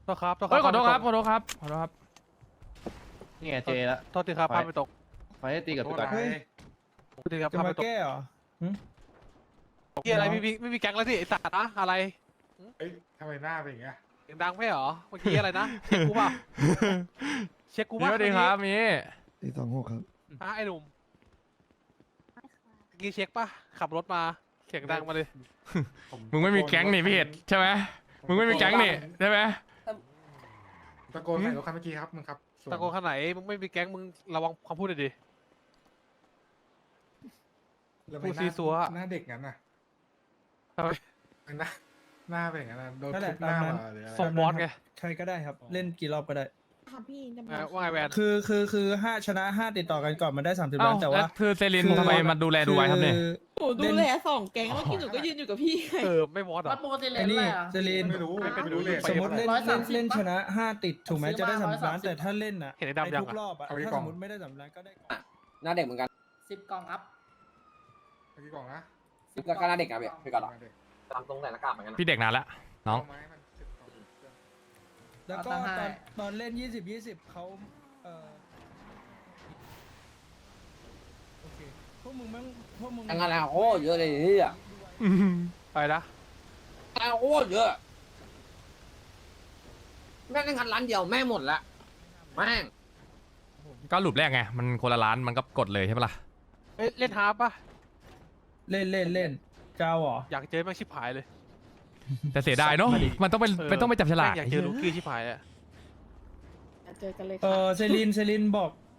โทษครับโทษคเฮ้รัยขอโทษครับขอโทษครับขอโทษครับนี่ไงเจละโทษทีครับพลาดไปตกไฟให้ตีกับไปก่อนเฮ้ยโทษทีครับจะพลาดมาไปตกแก้เหรอเกี่ยอะไรไม่มีแก๊งแล้วสิไอ้สัตว์นะอะไรเอ้ยทำไมหน้าเป็นอย่างเงี้ยเสียงดังไม่เหรอเมื่อกี้อะไรนะเช็คกูป่ะเช็คกูมีป่ะสวัสดีครับมีตี26ครับไอ้หนุ่มเมื่อกี้เช็คป่ะขับรถมาเสียงดังมาเลยมึงไม่มีแก๊งนี่พี่เห็ดใช่ไหมมึงไม่มีแก๊งนี่ใช่ไหมตะโกนใส่รถคันเมื่อกี้ครับมึงครับส่วนตะโกนขนาดไหนมึงไม่มีแก๊งมึงระวังคำพูดหน่อยดิแล้วพูดไม่ซีซัวหน้าเด็กงั้นน่ะทำไมหน้าเป็นอย่างนั้นน่ะโดนนั่นแหทุละบหน้าตามนั้นมาหรืออะไรส่งบอสไงใครก็ได้ครับ เล่นกี่รอบก็ได้ค่ะพี่จะว่าไงแวนคือ5ชนะ5ติดต่อกันก่อนมันได้30 เอ้าล้านแต่แล้วว่าคือเซรินทำไมมาดูแลดูไว้ครับเนี่ยหนูดูแล2 แก๊งแล้วพี่หนูก็ยืนอยู่กับพี่ไงไม่บอสเหรอปกติเลไอ้นนี่อะไรอ่ะเซรีนไม่รู้ไม่รู้เลยสมมติเล่น 130 เล่นชนะ5ติดถูกไหมจะได้30 ล้าน แต่ถ้าเล่นอ่ะเห็นไอ้ดำยังทุกอะรอบอ่ะถ้าสมมติไม่ได้30 ล้านก็ได้หน้าเด็กเหมือนกัน 10 กล่องอัพเมื่อกี้กล่องนะก็หน้าเด็กอะพี่ก่อนหรอเด็กตามตรงใส่หน้ากากเหมือนกันพี่เด็กนานแล้วน้องเาไม้มัน10กล่องแล้วก็ตอนเล่น20เขาโอเคพวกมึงงานโอ้เยอะเลยนี่อ่ะไปนะโอ้เยอะแม่งงานร้านเดียวแม่งหมดละแม่งก็หลุปแรกไงมันคนละล้านมันก็กดเลยใช่ปะล่ะเล่นฮาร์ปป่ะเล่นเจ้าเหรออยากเจอแม่งชิบหายเลยแต่เสียดายเนาะมันต้องไปจับฉลากแม่งอยากเจอลูกี้ชิบหายอะเจอกันเลยเซริน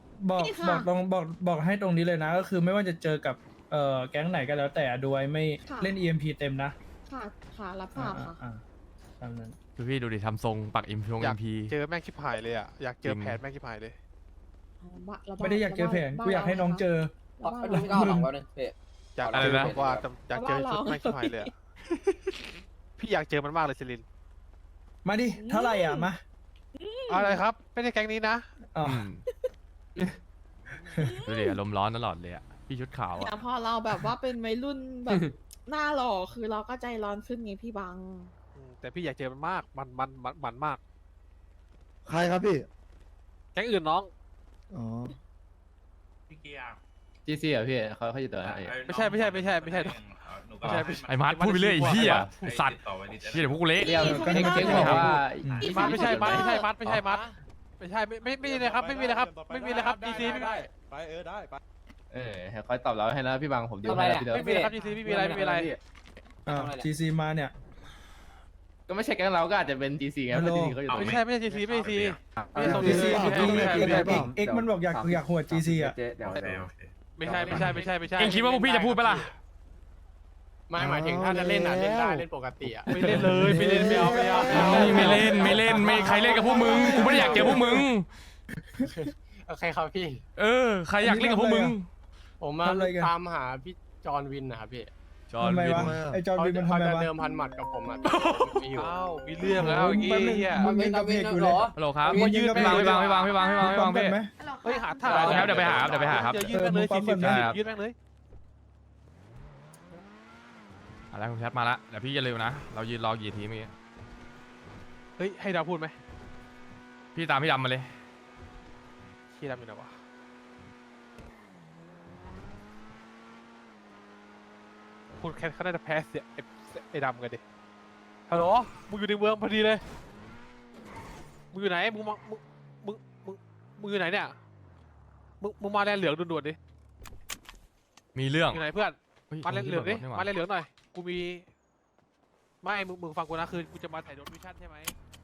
บอกให้ตรงนี้เลยนะ ก็คือไม่ว่าจะเจอกับแก๊งไหนก็แล้วแต่ดูไว้ไม่เล่น EMP เต็มนะค่ะรับทราบค่ะตามนั้นดูพี่ดูดิทำทรงปักอิมพงอยาอิกมพีเจอแม่งชิบหายเลยอะอยากเจอจริงแผนแม่งชิบหายเลยไม่ได้อยากเจอแผนกูอยากให้น้องเจอพี่ก็เอาหลังแล้วนึงพี่อยากเจอแบบว่าอยากเจอชุดแม่งชิบหายเลยอะพี่อยากเจอมันมากเลยซิลินมาดิเท่าไหร่อ่ะมาอะไรครับไม่ได้แก๊งนี้นะอ๋อดูดิอารมณ์ร้อนตลอดเลยอ่ะพี่ชุดขาวแต่อ่ะพอเราแบบว่าเป็นวัยรุ่นแบบ หน้าหล่อคือเราก็ใจร้อนขึ้นไงพี่บังแต่พี่อยากเจอมันมากมันมากใครครับพี่แก๊งอื่นน้องอ๋อจีซีอ่ะพี่เขาอยู่ตัวไหนไม่ใช่ไอ้มาร์ทพูดไปเรื่อยไอ้พี่อ่ะสัตว์พี่เดี๋ยวพวกกูเละเรียกเก่งบอกว่ามัดไม่ใช่มัดไม่เลยครับไม่มีเลยครับดีซีไม่มีคอยตอบเราให้นะพี่บังผมดีให้แล้วพี่เดิมไม่มีเลยครับดีซีไม่มีอะไร GC มาเนี่ยก็ไม่ใช่แก๊งเราก็อาจจะเป็นจีซีไงเพราะจีซีเขาอยู่ตัวไม่นี้ใช่ดีซีไม่ใช่ GC ไม่เอ็กมันบอกอยากหัว GC อ่ะใช่เองคิดว่าพวกพี่จะพูดปะล่ะไม่หมายถึงถ้าจะเล่นอ่ะเล่นได้เล่นปกติไม่เล่นเลยไม่เอาไม่เล่นไม่ใครเล่นกับพวกมึงกูไม่ได้อยากเจอพวกมึงโอเคครับพี่ใครอยากเล่นกับพวกมึงผมมาตามหาพี่จอห์นวินนะครับพี่จอห์นทำไมวินวะไอจอร์นวินมันทำเขาไมจะวะเดิมพันหมัดกับผมอ่ะไม่อยู่อ้าวมีเรื่องแล้วอย่างงี้เฮียมึงยังกับเพจอยู่เลยฮัลโหลครับมึงยืนพี่บังพี่บังพี่พี่ไหมเฮ้ยหาท่าเดี๋ยวไปหาครับยืนแม่งเลย40ยืนแม่งเลยอะไรคุณแคทมาละเดี๋ยวพี่อย่าลืมนะเรายืนรอกี่ทีเมื่อกี้เฮ้ยให้ดาวพูดไหมพี่ตามพี่ดำมาเลยขี้ดำอยู่ไหนวะคุณแคทเขาได้จะแพ้เสียไอ้ดำกันดิฮัลโหลมึงอยู่ในเมืองพอดีเลยมึงอยู่ไหนมึงอยู่ไหนเนี่ยมึงมาแลนเหลืองด่วนๆดิมีเรื่องอยู่ไหนเพื่อนมาแลนเหลืองดินี่หว่มาแลนเหลืองหน่อยกูมีไม่มึงฟังกูนะคือกูจะมาถ่ายโดนวิชั่นใช่ไหม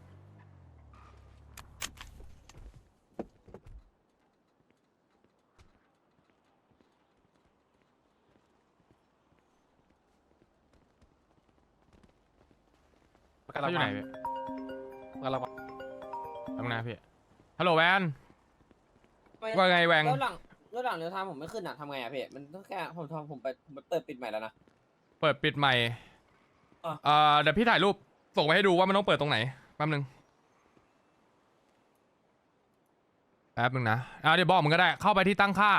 เขาอยู่ไหนพี่กำลังมาทำงานพี่ฮัลโหลแวนว่าไงแวงแล้วหลังเรือทางผมไม่ขึ้นอ่ะทำไงอ่ะพี่มันต้องแค่ผมไปเปิดปิดใหม่แล้วนะเปิดปิดใหม่เดี๋ยวพี่ถ่ายรูปส่งไปให้ดูว่ามันต้องเปิดตรงไหนแป๊บนึงนะเดี๋ยวบอกมึงก็ได้เข้าไปที่ตั้งค่า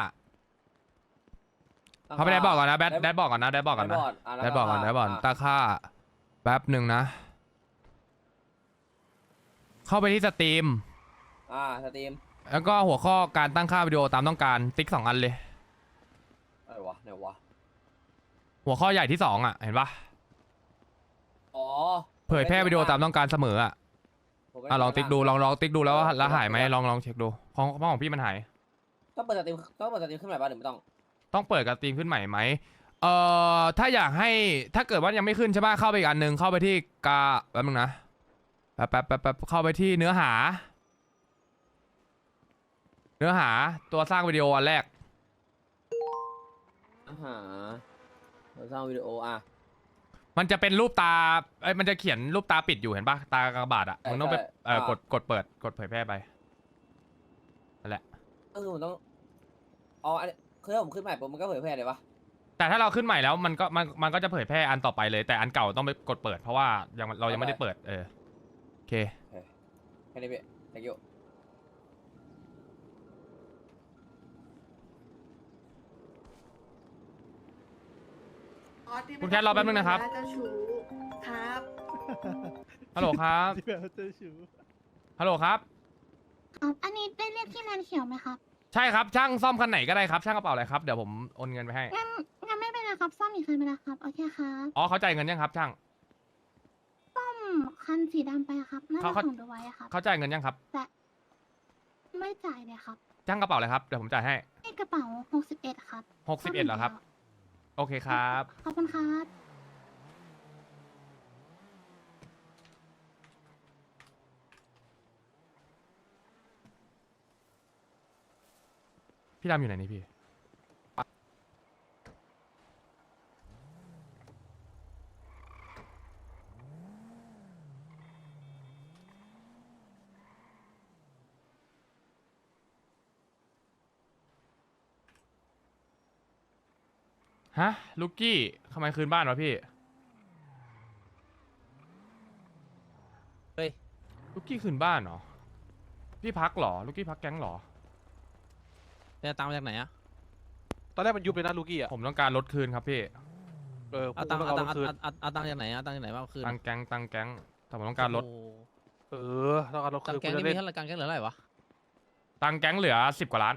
เข้าไปได้บอกก่อนนะแดดบอกก่อนนะแดดบอกก่อนตั้งค่าแป๊บหนึ่งนะเข้าไปที่สตรีมสตรีมแล้วก็หัวข้อการตั้งค่าวิดีโอตามต้องการติ๊ก2 อันเลยอะไรวะไหนวะหัวข้อใหญ่ที่2อ่ะเห็นปะอ๋อเผยแพร่วิดีโอตามต้องการเสมออ่ะลองติ๊กดูลองติ๊กดูแล้วหายไหมลองเช็คดูของพี่มันหายต้องเปิดสตรีมขึ้นใหม่ป่ะหรือไม่ต้องต้องเปิดกับสตรีมขึ้นใหม่ไหมถ้าอยากให้ถ้าเกิดว่ายังไม่ขึ้นใช่ป่ะเข้าไปอีกอันหนึ่งเข้าไปที่แป๊บนึงนะแป๊บเข้าไปที่เนื้อหาตัวสร้างวิดีโออันแรกเราสร้างวิดีโอมันจะเป็นรูปตามันจะเขียนรูปตาปิดอยู่เห็นปะตากระบาดอ่ะมึงต้องไปกดเปิดกดเผยแพร่ไปนั่นแหละก็คือผมต้องอ๋ออันนี้คือถ้าผมขึ้นใหม่ปุ๊บมันก็เผยแพร่เลยปะแต่ถ้าเราขึ้นใหม่แล้วมันก็จะเผยแพร่อันต่อไปเลยแต่อันเก่าต้องไปกดเปิดเพราะว่าเรายังไม่ได้เปิดโอเคแค่นี้พี่ thank you คุณแคทรอแป๊บนึงนะครับเจ้าชู้ครับฮัลโหลครับฮัลโหลครับครับ อันนี้ได้เรียกที่แลนเขียวไหมครับใช่ครับช่างซ่อมคันไหนก็ได้ครับช่างกระเป๋าอะไรครับเดี๋ยวผมโอนเงินไปให้งั้นไม่เป็นไรครับ ซ่อมอีกคันไปแล้วครับ โอเคครับอ๋อเขาจ่ายเงินยังครับช่างซ่อมคันสีดำไปครับน่าจะเขาส่งดูไว้อะครับเขาจ่ายเงินยังครับแต่ไม่จ่ายเลยครับช่างกระเป๋าอะไรครับเดี๋ยวผมจ่ายให้ในกระเป๋า61ครับ 61เหรอครับโอเคครับขอบคุณครับพี่ดำอยู่ไหนนี่พี่ฮะลูกกี้ทำไมคืนบ้านวะพี่เฮ้ยลูกกี้คืนบ้านเหรอพี่พักเหรอลูกกี้พักแก๊งเหรอจะตามมาจากไหนอะตอนแรกมันยุบเลยนะลูกี้อ่ะผมต้องการรถคืนครับพี่เอาตังค์เอาคืนเอาตังค์จากไหนเอาตังค์จากไหนมาเอาคืนตังแก๊งแต่ผมต้องการรถโอ้โหต้องการรถตังคืนค์แก๊งกูนี่จะมีเล่นเท่าไหร่ตังค์แก๊งเหลือเท่าไหร่วะตังแก๊งเหลือ10 กว่าล้าน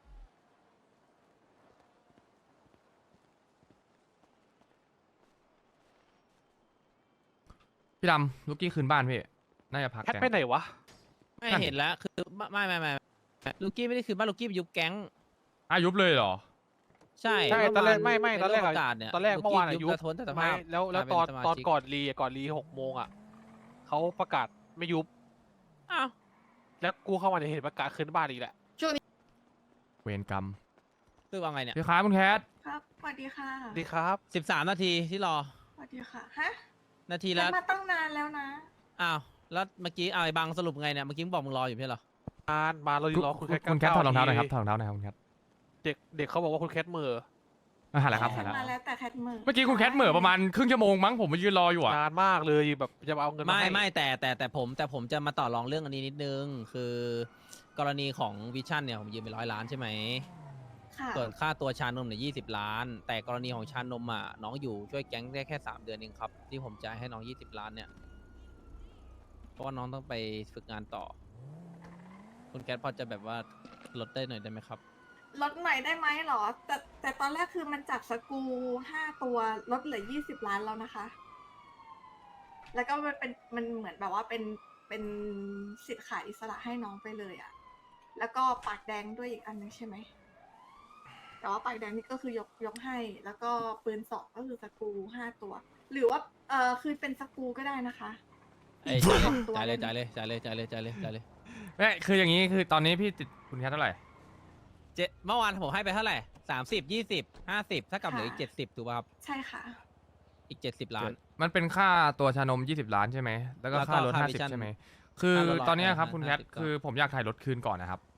พี่ดำลูกกี้คืนบ้านพี่ น่าจะพักแคทแก๊งไปไหนวะไม่เห็นแล้วคือไม่ลูกี้ไม่ได้คืนบ้านลูกี้ไปยุบแก๊งยุบเลยเหรอใช่ใช่ตอนแรกไม่ตอนแรกปอะระกาศเนี่ยตอนแรกเมื่อวานอะลูยุกี้บกระทนแต่สไม่ภาพแล้วกายเป็ตอนสมาตอนชิก่อนรี6 โมงอ่ะเขาประกาศไม่ยุบอ้าวแล้วกูเข้ามาในยเห็นประกาศคืนบ้านอีกแหละเวรกรรมคือว่าไงเนี่ยพี่ค้าคุณแคทครับสวัสดีค่ะดีครับ 13 นาทีที่รอสวัสดีค่ะ ฮะนาทีฉัแล้วนมาตั้งนานแล้วนะอ้าวแล้วเมื่อกี้ไอ้บังสรุปไงเนี่ยเมื่อกี้มึงบอกมึงรออยู่ไม่ใช่เหรอมาเรารอคุณแคทคุณแคทถอดรองเท้าหน่อยครับถอดรองเท้าหน่อยครับคุณแคทเด็กเขาบอกว่าคุณแคทเหม่อหาแล้วครับฉัหาน แล้วมาแล้วแต่แคทมือเมื่อกี้คุณแคทเหม่อประมาณครึ่งชั่วโมงมั้งผมมายืนรออยู่อ่ะนานมากเลยแบบจะมาเอาเงินมาให้ไม่แต่ผมจะมาต่อรองเรื่องอันนี้นิดนึง คือกรณีของวิชั่นเนี่ยผมยืมไป100 ล้านใช่ไหมค่ะส่วนค่าตัวชานมเนี่ย20 ล้าน แต่กรณีของชานมอ่ะน้องอยู่ช่วยแก๊งได้แค่3 เดือนเองครับ ที่ผมจ่ายให้น้อง20 ล้านเนี่ย เพราะว่าน้องต้องไปฝึกงานต่อ คุณแคทพอจะแบบว่าลดได้หน่อยได้ไหมครับลดหน่อยได้ไหมเหรอ แต่ตอนแรกคือมันจากสกรู5 ตัวลดเหลือ20 ล้านแล้วนะคะ แล้วก็มันเหมือนแบบว่าเป็นสิทธิ์ขายอิสระให้น้องไปเลยอะแล้วก็ปากแดงด้วยอีกอันนึงใช่ไหม แต่ว่าปากแดงนี่ก็คือยกให้ แล้วก็ปืน2ก็คือสกรู5 ตัว หรือว่าคือเป็นสกรูก็ได้นะคะเอ้ยตัวจ่ายเลยได้จ่ายไหมเลยจ่ายเลยจ่ายเลยจ่ายเลยจ่ายเลยไม่คืออย่างนี้คือตอนนี้พี่ติดคุณแคทเท่าไหร่เมื่อวานผมให้ไปเท่าไหร่30 20 50ถ้ากับเหลืออีก70ถูกป่ะครับใช่ค่ะอีก70 ล้านมันเป็นค่าตัวชานม20 ล้านใช่ไหมแล้วก็แล้วก็ค่ารถค่าวิชั่น 50ใช่ไหมคือค่ารถตอนเนี้ยครับ 150 คุณแคทก็คือผมอยากถ่ายรถคืนก่อนนะครับ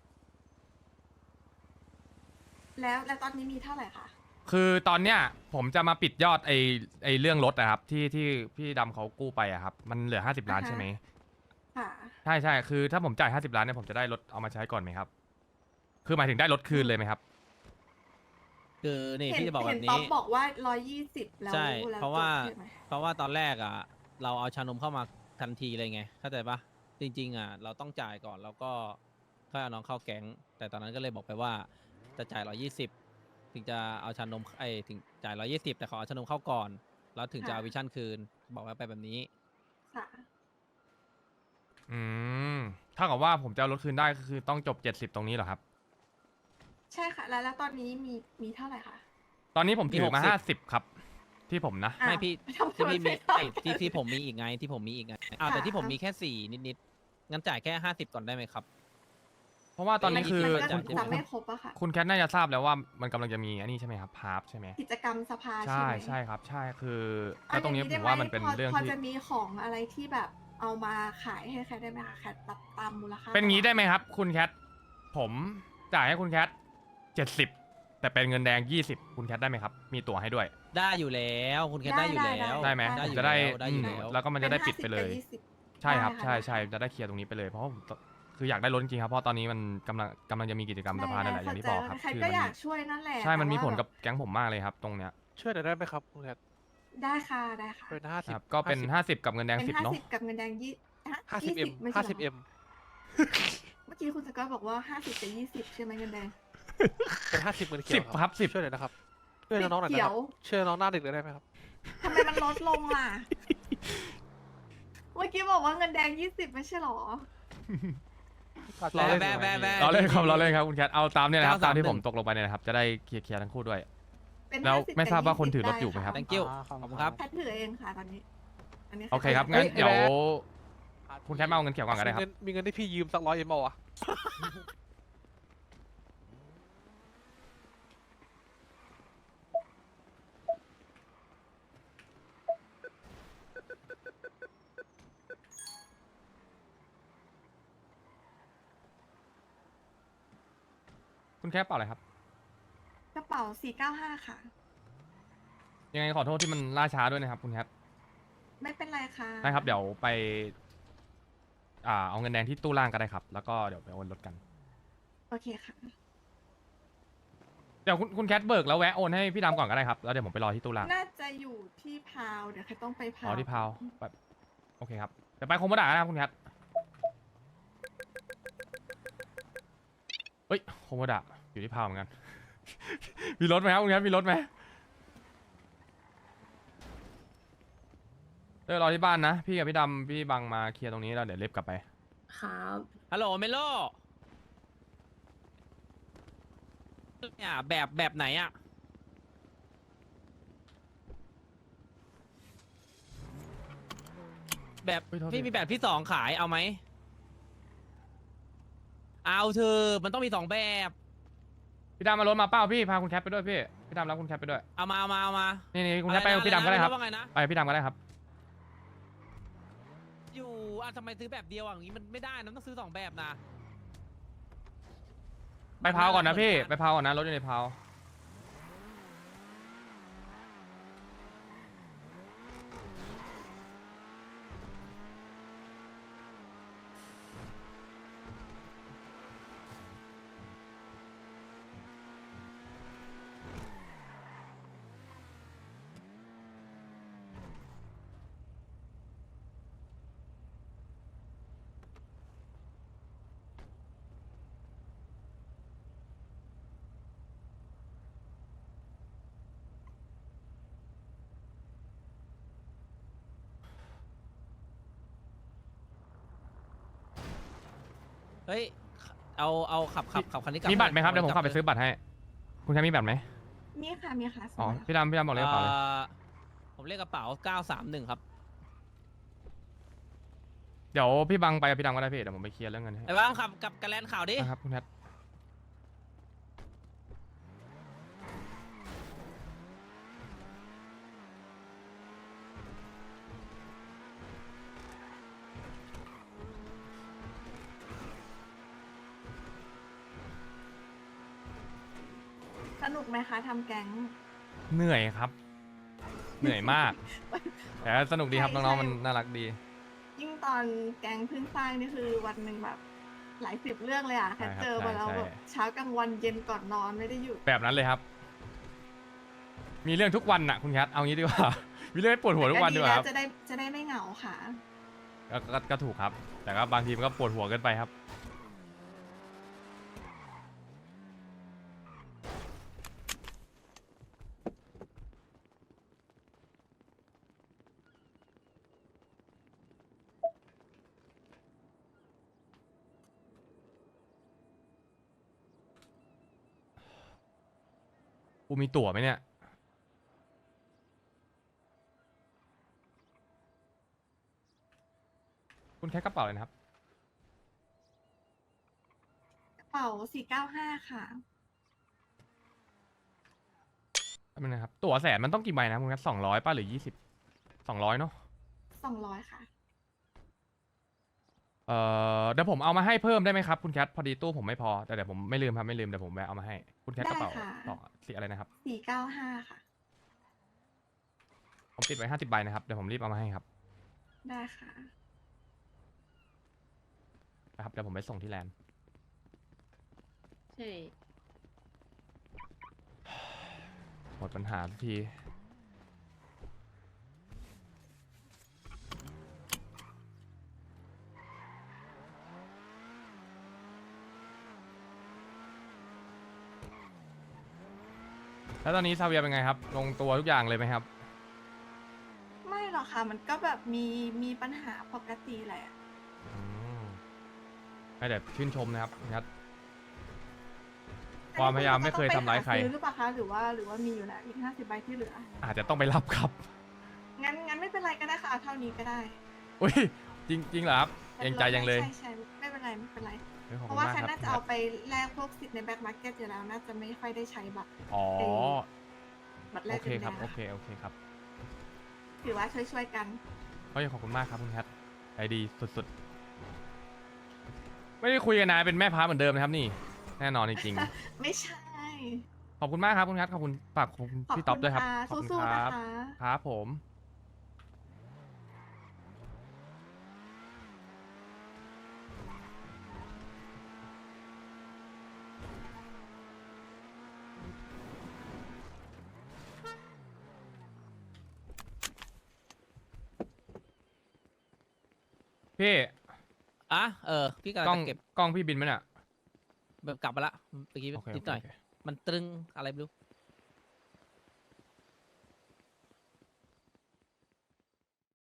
แล้วตอนนี้มีเท่าไหร่คะคือตอนเนี้ยผมจะมาปิดยอดไอเรื่องรถนะครับที่พี่ดำเขากู้ไปอะครับมันเหลือ50 ล้านใช่ไหมค่ะใช่คือถ้าผมจ่าย50 ล้านเนี่ยผมจะได้รถเอามาใช้ก่อนไหมครับ คือหมายถึงได้รถคืนเลยไหมครับคือนี่เห็นพี่จะบอกแบเห็นบป๊อนี้ปบอกว่า120แล้วใช่แล้วเพราะว่าจบใช่ไหมเพราะว่าตอนแรกอ่ะเราเอาชานมเข้ามาทันทีเลยไงเข้าใจปะจริงๆอ่ะเราต้องจ่ายก่อนแล้วก็ค่อยเอาน้องเข้าแก๊ง แต่ตอนนั้นก็เลยบอกไปว่าจะจ่าย120ถึงจะเอาชานมถึงจ่าย120แต่ขอเอาชานมเข้าก่อนแล้วถึงจะเอาวิชั่นคืนบอกไว้ไปแบบนี้ค่ะอืมถ้ากับว่าผมจะเอารถคืนได้ก็คือต้องจบ70ตรงนี้เหรอครับใช่ค่ะ แล้วตอนนี้มีเท่าไหร่คะตอนนี้ผมถือมามี60 50ครับ ที่ผมนะอ้าวไม่พี่ทำไมที่พี่มีนไได้ที่ผมมีอีกไงที่ผมมีอีกไงแต่ที่ผมมีแค่4นิดๆงั้นจ่ายแค่50ก่อนได้ไหมครับเพราะว่าตอนนี้คือมันก็จ่ายจำไม่ครบอะค่ะคุณแคทน่าจะทราบแล้วว่ามันกำลังจะมีอันนี้ใช่ไหมครับพาร์ฟใช่ไหมกิจกรรมสภาใช่ไหมใช่ครับ ใช่คือเอแล้วตรงนี้ย่ผได้มไหว่ามันเป็นเรื่องพอที่จะมีของอะไรที่แบบเอามาขายให้แคทได้ไหมคะแคทรับตามมูลค่าเป็นงี้ได้ไหมครับ คุณแคทผมจ่ายให้คุณแคท70แต่เป็นเงินแดง20คุณแคทได้ไหมครับ มีตั๋วให้ด้วยได้อยู่แล้วคุณแค่ได้อยู่แล้วได้ไหมได้ผมอยู่จะได้แล้วได้อยู่แล้วแล้วก็มันจะได้ปิดไปเลยป็น50 ใช่ครับได้ค่ะใช่ได้ใช่จะได้เคลียร์ตรงนี้ไปเลยเพราะว่าผมคืออยากได้รถจริงๆครับเพราะตอนนี้มันกำลังจะมีกิจกรรมสภานั่นแหละอย่างที่บอกครับแคทคือก็มันอยากช่วยนั่นแหละใช่มันมีผลแต่ว่ากับแก๊งผมมากเลยครับ ตรงเนี้ยช่วยหน่อยได้ไหมครับคุณแคทได้ค่ะได้ค่ะเป็นค 50 รับก็เป็น50กับเงินแดงเป็น 10เนาะ 50กับเงินแดง 50M ไม่ใช่เหรอ 50M เมื่อกี้คุณสกอตบอกว่า50กับ20ใช่ไหมเงินแดงเป็น50เงินเขียว 10ครับ10 ช่วยหน่อยนะครับช่วยน้องๆหน่อยนะคเขีรัยบวช่วยน้องหน้าเด็กเลยได้ไหมครับทำไมมันลดลงล่ะ เมื่อกี้บอกว่าเงินแดง20ไม่ใช่เหรอรอเล่นเราเล่นครับเราเล่นครับคุณแคทเอาตามเนี่ยนะครับ 931 ตามที่ผมตกลงไปเนี่ยนะครับจะได้เคลียร์ทั้งคู่ด้วยเป็นแล้ว 50 ไม่ทราบว่ากับคนถือรถ 20 อยู่ไหมครับด้ะ thank you ขอบคุณครับแพทถือเองค่ะตอนนี้ อันนี้โอเคครับงั้นเดี๋ยวคุณแคทมาเอาเงินเขียวก่อนก็ได้ครับมีเงินให้พี่ยืมสัก100Mเอาวะคุณแคทเปล่าอะไรครับกระเป๋า495ค่ะยังไงขอโทษที่มันล่าช้าด้วยนะครับคุณแคทไม่เป็นไรค่ะได้ครับเดี๋ยวไปเอาเงินแดงที่ตู้ล่างก็ได้ครับ แล้วก็เดี๋ยวไปโอนรถกันโอเคค่ะเดี๋ยวคุณแคทเบิกแล้วแวะโอนให้พี่ดำก่อนก็ได้ครับแล้วเดี๋ยวผมไปรอที่ตู้ล่างน่าจะอยู่ที่พาว เดี๋ยวแคทต้องไปพาวอ๋อที่พาวแบบโอเคครับเดี๋ยวไปโคโมดะนะครับคุณแคทเฮ้ยโคโมดะอยู่ที่พาวเหมือนกัน มีรถไหมครับคุณแคทมีรถไหมเดี๋ยวรอที่บ้านนะพี่กับพี่ดำพี่บังมาเคลียร์ตรงนี้แล้วเดี๋ยวเล็บกลับไปครับฮัลโหลเมโลเนี่ยแบบไหนอะแบบเฮ้ยโทษพี่ทีมีแบบที่2ขายเอาไหมเอาเธอมันต้องมี2แบบพี่ดำมารถมาเป้าพี่พาคุณแคทไปด้วยพี่ดำรับคุณแคทไปด้วยเอามานี่คุณแคทไปกับพี่ดำก็ได้ครับว่าไงนะไปกับพี่ดำก็ได้ครับอยู่ทำไมซื้อแบบเดียวอย่างนี้มันไม่ได้นะต้องซื้อ2แบบนะไปพาวก่อนนะพี่ไปพาวก่อนนะรถอยู่ในพาวเฮ้ยเอาขับคันนี้กลับมีบัตรไหมครับเดี๋ยวผมขับไปซื้อบัตรให้คุณแคทมีบัตรไหมมีค่ะ มีค่ะอ๋อสมัยพี่ดำบอกเลขกระเป๋าเลยผมเลขกระเป๋า931ครับเดี๋ยวพี่บังไปกับพี่ดำก็ได้พี่เดี๋ยวผมไปเคลียร์เรื่องเงินให้ไอ้บ้างขับกับกระแลนข่าวดินะครับคุณแคทสนุกไหมคะทำแก๊งเหนื่อยครับ เหนื่อยมาก แต่สนุกดีครับใช่น้องๆใช่มันน่ารักดียิ่งตอนแก๊งเพิ่งสร้างนี่คือวันหนึ่งแบบ หลาย10 เรื่องเลยอ่ะแคทใช่ครับเจอมาแล้วใช่แบบเช้ากลางวันเย็นก่อนนอนไม่ได้หยุดแบบนั้นเลยครับ มีเรื่องทุกวันน่ะคุณแคทเอางี้ดีกว่า มีเรื่องให้ปวดหัวทุกวันดีกว่าแล้ครับจะได้ไม่เหงาค่ะก็ถูกครับ แต่ก็บางทีมันก็ปวดหัวเกินไปครับ กูมีตั๋วไหมเนี่ย คุณแค่กระเป๋าเลยนะครับกระเป๋า495ค่ะแป๊บนึงนะครับ ตั๋วแสนมันต้องกี่ใบนะคุณแค่200ป่ะหรือ20 200เนาะ 200ค่ะเดี๋ยวผมเอามาให้เพิ่มได้ไหมครับคุณแคทพอดีตู้ผมไม่พอแต่เดี๋ยวผมไม่ลืมครับไม่ลืมเดี๋ยวผมแวะเอามาให้คุณแคทกระเป๋าได้ค่ะต่อสีอะไรนะครับ 495ค่ะผมปิดไว้50 ใบนะครับเดี๋ยวผมรีบเอามาให้ครับได้ค่ะนะครับเดี๋ยวผมไปส่งที่แลนด์ใช่หมดปัญหาทุกทีแล้วตอนนี้ซาเวียเป็นไงครับลงตัวทุกอย่างเลยไหมครับไม่หรอกค่ะ มันก็แบบมีปัญหาปกติแหละอืมไม่แต่ชื่นชมนะครับคุณแคท ความพยายามไม่เคยทำร้ายใครซื้อหรือเปล่าคะหรือว่ามีอยู่แล้วอีก50 ใบที่เหลืออาจจะต้องไปรับครับงั้นไม่เป็นไรก็ได้ค่ะเอาเท่านี้ก็ได้อุ้ยจริงเหรอครับยังใจยังเลยใช่ไม่เป็นไรไม่เป็นไรฮ้ยขอบเพคุณราะว่ามากฉันครับน่าจะเอาไปแลกพวกสิทธิ์ในแบ็คมาร์เก็ตอยู่แล้ว น่าจะไม่ค่อยได้ใช้อ๋อบัตรแลโอก เคเงินครับแดงโออะเคโอเคครับถือว่าช่วยกันเฮ้ยขอบคุณมากครับคุณแคทใจดีสุดๆ ไม่ได้คุยกันนานเป็นแม่พาเหมือนเดิมนะครับนี่แน่นอนจริงไม่ใช่ๆ ขอบคุณมากครับคุณแคทขอบคุณฝากขอบคุณขอบพี่ต๊อบด้วยครับค่ะขอบคุณสู้คๆรันะบคะครับผมพี่อ่ะพี่กำลังกล้องจะเก็บกล้องพี่บินไหมเนี่ยแบบกลับมาละเมื่อกี้โอเคนิดหน่อยโอเคมันตรึงอะไรไม่รู้